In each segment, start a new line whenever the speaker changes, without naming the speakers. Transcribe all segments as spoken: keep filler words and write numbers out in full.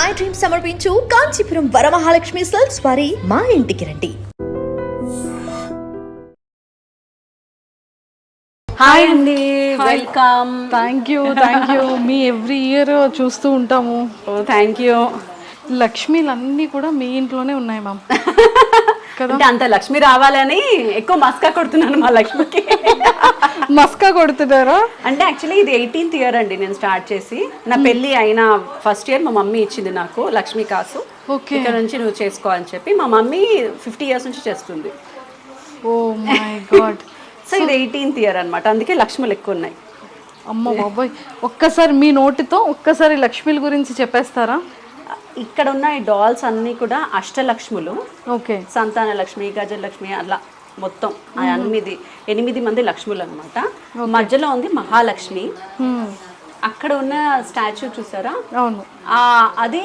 My dream సమర్పించు Kanchipuram Varamahalakshmi silks వారి మా ఇంటికి రండి.
హాయ్ అండి, welcome.
Thank you thank you మీ ఎవ్రీ ఇయర్ చూస్తూ ఉంటాము.
ఓ థ్యాంక్ యూ.
లక్ష్మీలన్నీ కూడా మీ ఇంట్లోనే ఉన్నాయి మ్యామ్.
అంటే అంత లక్ష్మి రావాలని ఎక్కువ మస్కా కొడుతున్నాను మా లక్ష్మికి.
మస్కా కొడుతున్నారా?
అంటే యాక్చువల్లీ ఇది ఎయిటీన్త్ ఇయర్ అండి నేను స్టార్ట్ చేసి. నా పెళ్ళి అయిన ఫస్ట్ ఇయర్ మా మమ్మీ ఇచ్చింది నాకు లక్ష్మీ కాసు.
ఓకే,
ఇక్కడ నుంచి నువ్వు చేసుకో అని చెప్పి. మా మమ్మీ ఫిఫ్టీ ఇయర్స్ నుంచి చేస్తుంది.
Oh my God.
సో ఇది ఎయిటీన్త్ ఇయర్ అనమాట, అందుకే లక్ష్ములు ఎక్కువ ఉన్నాయి.
అమ్మ బాబాయ్, ఒక్కసారి మీ నోటితో ఒక్కసారి లక్ష్మీల గురించి చెప్పేస్తారా?
ఇక్కడ ఉన్న ఈ డాల్స్ అన్నీ కూడా అష్టలక్ష్ములు.
ఓకే,
సంతాన లక్ష్మి, గజలక్ష్మి, అలా మొత్తం ఎనిమిది ఎనిమిది మంది లక్ష్ములు అనమాట. మధ్యలో ఉంది మహాలక్ష్మి. అక్కడ ఉన్న స్టాచ్యూ చూసారా?
అవును,
అది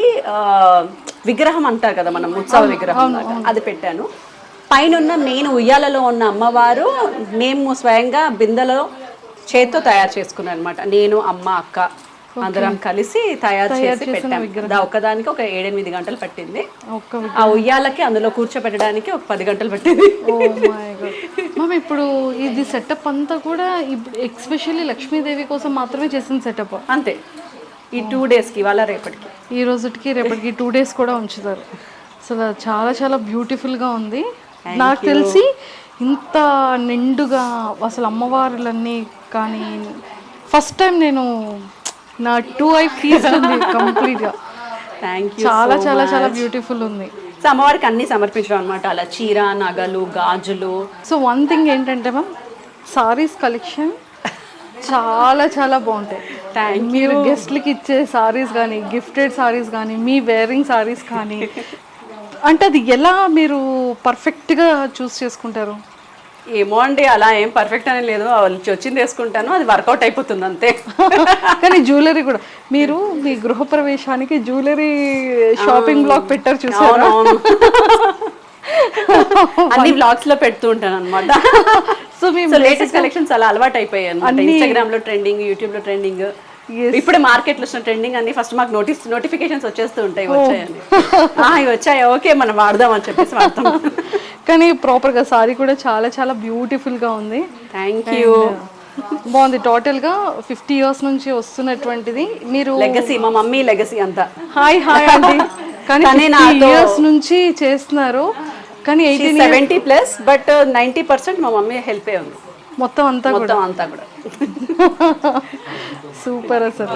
విగ్రహం అంటారు కదా మనం, ఉత్సవ విగ్రహం, అది పెట్టాను. పైన ఉన్న మెయిన్ ఉయ్యాలలో ఉన్న అమ్మవారు మేము స్వయంగా బిందెలో చేత్తో తయారు చేసుకున్నాను అనమాట. నేను, అమ్మ, అక్క అందరం కలిసి తయారు చేసి పెట్టాము. ఒకదానికి ఒక ఏడెనిమిది గంటలు పట్టింది. ఆ ఉయ్యాలకి అందులో కూర్చోబెట్టడానికి ఒక పది గంటలు పట్టింది.
మ్యామ్ ఇప్పుడు ఇది సెటప్ అంతా కూడా ఇప్పుడు ఎక్స్పెషల్లీ లక్ష్మీదేవి కోసం మాత్రమే చేసిన సెటప్
అంతే. ఈ టూ డేస్కి, ఇవాళ రేపటికి,
ఈ రోజుకి రేపటికి టూ డేస్ కూడా ఉంచుతారు. అసలు చాలా చాలా బ్యూటిఫుల్గా ఉంది. నాకు తెలిసి ఇంత నిండుగా అసలు అమ్మవారులన్నీ కానీ ఫస్ట్ టైం నేను నా టూ ఐ ఫీజ్ ఉంది కంప్లీట్గా.
Thank you.
చాలా చాలా చాలా బ్యూటిఫుల్ ఉంది.
సో అమ్మవారికి అన్ని సమర్పించడం అనమాట, అలా చీర, నగలు, గాజులు.
సో వన్ థింగ్ ఏంటంటే మ్యామ్, సారీస్ కలెక్షన్ చాలా చాలా బాగుంటాయి. మీరు గెస్ట్లకి ఇచ్చే సారీస్ కానీ, గిఫ్టెడ్ సారీస్ కానీ, మీ వేరింగ్ సారీస్ కానీ, అంటే అది ఎలా మీరు పర్ఫెక్ట్గా చూస్ చేసుకుంటారు?
ఏమో అండి, అలా ఏం పర్ఫెక్ట్ అని లేదు, వచ్చింది వేసుకుంటాను, అది వర్కౌట్ అయిపోతుంది అంతే.
కానీ జ్యువెలరీ కూడా మీరు మీ గృహప్రవేశానికి జ్యువెలరీ షాపింగ్ బ్లాగ్ పెట్టారు చూసారా?
అన్ని బ్లాగ్స్ లో పెడుతూ ఉంటాను అనమాట. సో మేము లేటెస్ట్ కలెక్షన్స్ అలా అలవాటు అయిపోయాయి అనమాట. ఇన్స్టాగ్రామ్ లో ట్రెండింగ్, యూట్యూబ్ లో ట్రెండింగ్, ఇప్పుడే మార్కెట్ లో ట్రెండింగ్ అన్ని ఫస్ట్ మాకు నోటీస్ నోటిఫికేషన్స్ వచ్చేస్తూ ఉంటాయి. వచ్చాయని ఇవి వచ్చాయి, ఓకే మనం వాడదాం అని చెప్పేసి వాడతాం.
కానీ ప్రాపర్గా సారీ కూడా చాలా చాలా బ్యూటిఫుల్గా ఉంది.
Thank you.
బాగుంది. టోటల్గా ఫిఫ్టీ ఇయర్స్ నుంచి వస్తున్నటువంటిది మీరు
లెగసీ, మా మమ్మీ లెగసీ అంతా.
హాయ్ హాయ్ అండి. కానీ ఇయర్స్ నుంచి చేస్తున్నారు, కానీ eighteen
seventy plus, but ninety percent మా మమ్మీ హెల్ప్ ఏ ఉంది
మొత్తం అంతా
మొత్తం అంతా కూడా.
సూపర్ అసలు.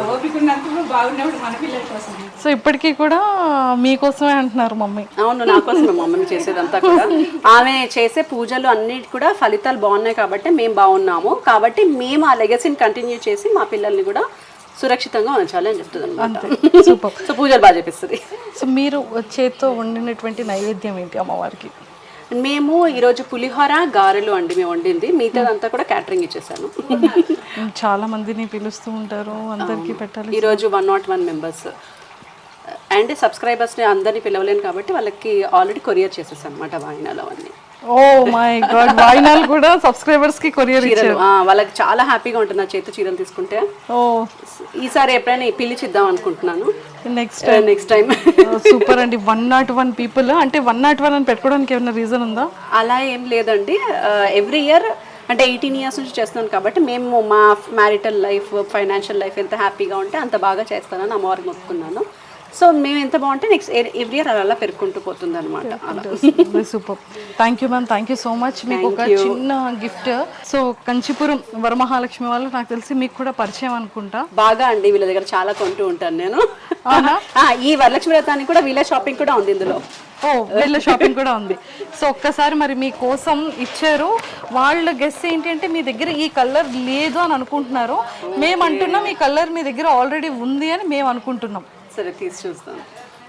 సో ఇప్పటికీ కూడా మీకోసమే అంటున్నారు మమ్మీ?
అవును, నా కోసమే మమ్మీ చేసేదంతా కూడా. ఆమె చేసే పూజలు అన్నిటి కూడా ఫలితాలు బాగున్నాయి కాబట్టి మేము బాగున్నాము, కాబట్టి మేము ఆ లెగసీని కంటిన్యూ చేసి మా పిల్లల్ని కూడా సురక్షితంగా ఉంచాలి అని చెప్తుంది అనమాట.
సూపర్.
సో పూజలు బాగా చేపిస్తుంది.
సో మీరు చేత్తో వండినటువంటి నైవేద్యం ఏంటి అమ్మవారికి?
మేము ఈరోజు పులిహోర, గారెలు అండి మేము వండింది. మిగతాదంతా కూడా క్యాటరింగ్ ఇచ్చేసాను.
చాలా మందిని పిలుస్తూ ఉంటారు, అందరికీ పెట్టాలి.
ఈరోజు one not one members and సబ్స్క్రైబర్స్ని అందరినీ పిలవలేను కాబట్టి వాళ్ళకి ఆల్రెడీ కొరియర్ చేసేసాను అనమాట వాయినాలు అవన్నీ.
ఓ మై గాడ్, వాయినాలు కూడా సబ్స్క్రైబర్స్ కి కొరియర్ ఇచ్చారు.
వాళ్ళకి చాలా హ్యాపీగా ఉంటుంది నా చేతి చీరలు తీసుకుంటే.
ఓ
ఈసారి ఎప్పుడైనా పిలిచిద్దాం అనుకుంటున్నాను
నెక్స్ట్
నెక్స్ట్ టైం.
సూపర్ అండి. వన్ నాట్ వన్ పీపుల్ అంటే వన్ నాట్ వన్ అని పెట్టుకోవడానికి ఏమైనా రీజన్ ఉందా?
అలా ఏం లేదండి, ఎవ్రీ ఇయర్ అంటే ఎయిటీన్ ఇయర్స్ నుంచి చేస్తున్నాను కాబట్టి మేము మా మ్యారిటల్ లైఫ్, ఫైనాన్షియల్ లైఫ్ ఎంత హ్యాపీగా ఉంటే అంత బాగా చేస్తానని అమ్మవారికి మొక్కుకున్నాను. సో మేము ఎంత బాగుంటే నెక్స్ట్ ఎవ్రీ ఇయర్ అలా పెరుగుకుంటూ పోతుంది అనమాట.
Super. Thank you ma'am, thank you so much. మీకు ఒక చిన్న గిఫ్ట్. సో కంచిపురం వరమహాలక్ష్మి వాళ్ళు నాకు తెలిసి మీకు కూడా పరిచయం అనుకుంటా.
బాగా అండి, వీళ్ళ దగ్గర చాలా కొంటూ ఉంటాను నేను. ఈ వరలక్ష్మి వ్రతానికి కూడా వీళ్ళ షాపింగ్ కూడా ఉంది ఇందులో.
ఓ వీళ్ళ షాపింగ్ కూడా ఉంది. సో ఒక్కసారి మరి మీకోసం ఇచ్చారు. వాళ్ళ గెస్ ఏంటి అంటే మీ దగ్గర ఈ కలర్ లేదు అని అనుకుంటున్నారు. మేము అంటున్నాం ఈ కలర్ మీ దగ్గర ఆల్రెడీ ఉంది అని మేము అనుకుంటున్నాం.
సరే తీసి చూస్తాను.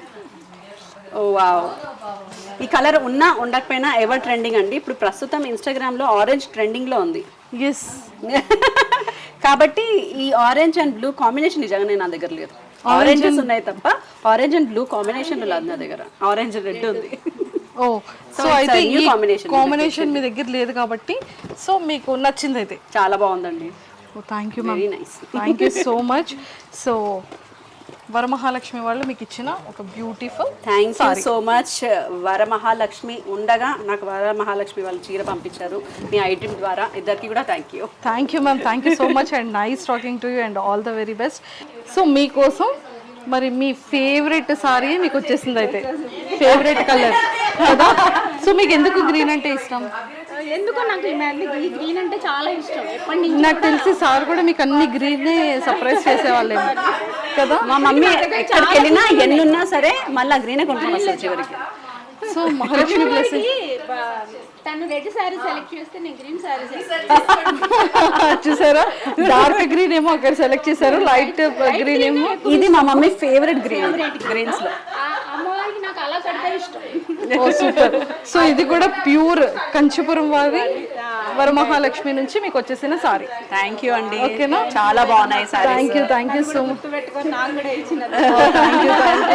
ఓ వావ్, ఈ కలర్ ఉన్నా ఉండకపోయినా ఎవర్ ట్రెండింగ్ అండి. ఇప్పుడు ప్రస్తుతం ఇన్స్టాగ్రామ్లో ఆరెంజ్ ట్రెండింగ్లో ఉంది.
ఎస్.
కాబట్టి ఈ ఆరెంజ్ అండ్ బ్లూ కాంబినేషన్ నిజంగానే నా దగ్గర లేదు. ఆరెంజెస్ ఉన్నాయి తప్ప ఆరెంజ్ అండ్ బ్లూ కాంబినేషన్ లేదు నా దగ్గర. ఆరెంజ్ రెడ్ ఉంది.
ఓ సో అయితే ఈ కాంబినేషన్ మీ దగ్గర లేదు కాబట్టి సో మీకు నచ్చింది అయితే.
చాలా బాగుందండి.
Thank you ma'am,
very nice.
Thank you so much. So Varamahalakshmi వాళ్ళు మీకు ఇచ్చిన ఒక beautiful
thank you so much. Varamahalakshmi ఉండగా నాకు వరమహాలక్ష్మి వాళ్ళు చీర పంపించారు మీ ఐటమ్ ద్వారా. ఇద్దరికి కూడా thank you.
Thank you ma'am, thank you so much and nice talking to you and all the very best. So మీకోసం మరి మీ ఫేవరెట్ సారీ మీకు వచ్చేసింది అయితే, ఫేవరెట్ కలర్ కదా. సో మీకు ఎందుకు గ్రీన్ అంటే ఇష్టం?
ఎందుకో నాకు ఈ మళ్ళీ ఈ గ్రీన్ అంటే చాలా ఇష్టం ఎప్పటి నుంచి.
నాకు తెలిసి సార్ కూడా మీకు అన్ని గ్రీనే సర్ప్రైజ్ చేసేవాళ్ళేమో కదా.
మా మమ్మీ ఎక్కడికి వెళ్ళినా ఎన్నున్నా సరే మళ్ళీ గ్రీనే కొనుక్కొని వస్తారు చివరికి.
So Mahalakshmi blessing.
తను రెడ్ సారీ సెలెక్ట్ చేస్తే నేను గ్రీన్ సారీ
చూసారా, డార్క్ గ్రీన్ ఏమో అక్కడ సెలెక్ట్ చేశారు, లైట్ గ్రీన్ ఏమో.
ఇది మా మమ్మీ ఫేవరెట్ గ్రీన్ గ్రీన్స్ లో.
అమ్మవారికి నాకు అలా కడితే ఇష్టం.
ఓ సూపర్. సో ఇది కూడా ప్యూర్ కంచిపురం వారి వరమహాలక్ష్మి నుంచి మీకు వచ్చేసిన సారీ.
థ్యాంక్ యూ అండి.
ఓకేనా,
చాలా బాగున్నాయి sari.
Thank you thank you so much.
పెట్టుకొని నాకు కూడా ఇచ్చిన
thank you thank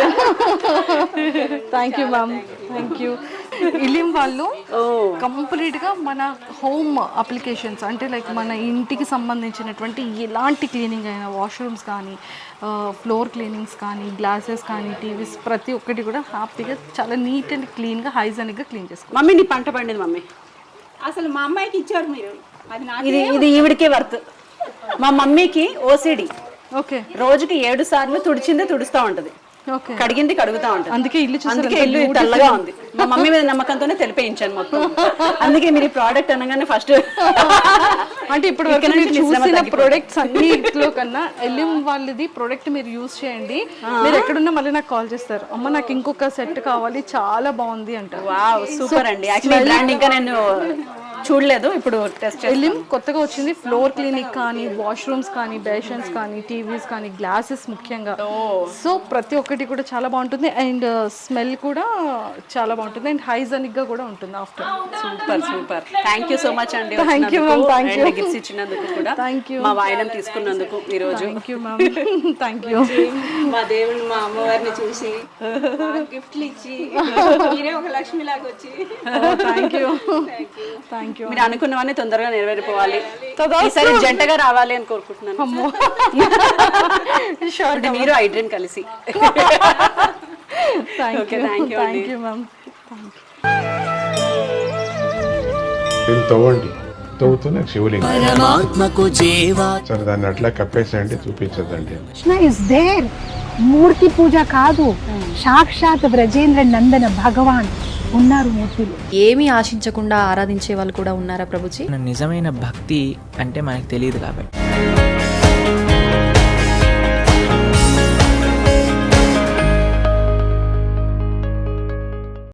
you thank you ma'am, thank you. ఇలిం వాళ్ళు కంప్లీట్ గా మన హోమ్ అప్లికేషన్స్ అంటే లైక్ మన ఇంటికి సంబంధించినటువంటి ఎలాంటి క్లీనింగ్ అయినా, వాష్రూమ్స్ కానీ, ఫ్లోర్ క్లీనింగ్స్ కానీ, గ్లాసెస్ కానీ, టీవీస్ ప్రతి ఒక్కటి కూడా హ్యాపీగా చాలా నీట్ అండ్ క్లీన్గా హైజానిక్గా క్లీన్ చేసుకోవాలి.
మమ్మీ నీ పంట పండింది మమ్మీ.
అసలు మా అమ్మాయికి ఇచ్చారు మీరు, అది నాకు
ఇది ఇది ఈవిడికే వర్త్. మా మమ్మీకి ఓసిడి,
ఓకే,
రోజుకి ఏడు సార్లు తుడిచిందే తుడుస్తూ ఉంటది,
ఓకే,
కడిగింది కడుగుతా ఉంటది.
అందుకే ఇల్లు చూసారు,
అందుకే ఇల్లు తెల్లగా ఉంది. మా మమ్మీ మీద నమ్మకంతోనే తెలిపేయించాను మొత్తం. అందుకే మీరు ఈ ప్రోడక్ట్ అనగానే ఫస్ట్
అంటే ఇప్పుడు వరకు మీరు చూసిన ప్రొడక్ట్స్ అన్నిట్లో కన్నా ఎలిం వాళ్ళది ప్రొడక్ట్ మీరు యూజ్ చేయండి. మీరు ఎక్కడున్నా మళ్ళీ నాకు కాల్ చేస్తారు, అమ్మ నాకు ఇంకొక సెట్ కావాలి, చాలా బాగుంది అంటారు.
వావ్ సూపర్ అండి. యాక్చువల్లీ బ్రాండ్ ఇంకా నేను చూడలేదు, ఇప్పుడు టెస్ట్ చేసి.
ఎలిం కొత్తగా వచ్చింది, ఫ్లోర్ క్లీనిక్ కానీ, వాష్రూమ్స్ కానీ, బేషన్స్ కానీ, టీవీస్ కానీ, గ్లాసెస్ ముఖ్యంగా. సో ప్రతి ఒక్కటి కూడా చాలా బాగుంటుంది అండ్ స్మెల్ కూడా చాలా బాగుంటుంది అండ్ హైజానిక్ గా కూడా ఉంటుంది. After
super super. Thank you so much అండి.
Thank you ma'am, thank you.
Gifts ఇచ్చినందుకు కూడా
థ్యాంక్ యూ.
మా వాయినం తీసుకున్నందుకు ఈ రోజు
thank you ma'am, thank you.
మా దేవుడు మా అమ్మవారిని చూసి గిఫ్ట్లు ఇచ్చి మీరే ఒక లక్ష్మి లాగా వచ్చి
థ్యాంక్ యూ థ్యాంక్ యూ.
మీరు అనుకున్నవన్నీ తొందరగా నెరవేరిపోవాలి, ఈసారి జంటగా రావాలి అని కోరుకుంటున్నాను. అంటే మీరు ఐడ్రీన్ కలిసి.
Thank you thank you ma'am.
దీన్ని తవ్వండి, తవ్వుతూనే శివలింగం. సరే దాన్ని అట్లా కప్పేసేయండి, చూపించదండి.
Krishna is there. మూర్తి పూజ కాదు, సాక్షాత్ బ్రజేంద్ర నందన భగవాన్ ఉన్నారు మూర్తిలో.
ఏమీ ఆశించకుండా ఆరాధించే వాళ్ళు కూడా ఉన్నారా ప్రభుజీ?
నిజమైన భక్తి అంటే మనకు తెలియదు కాబట్టి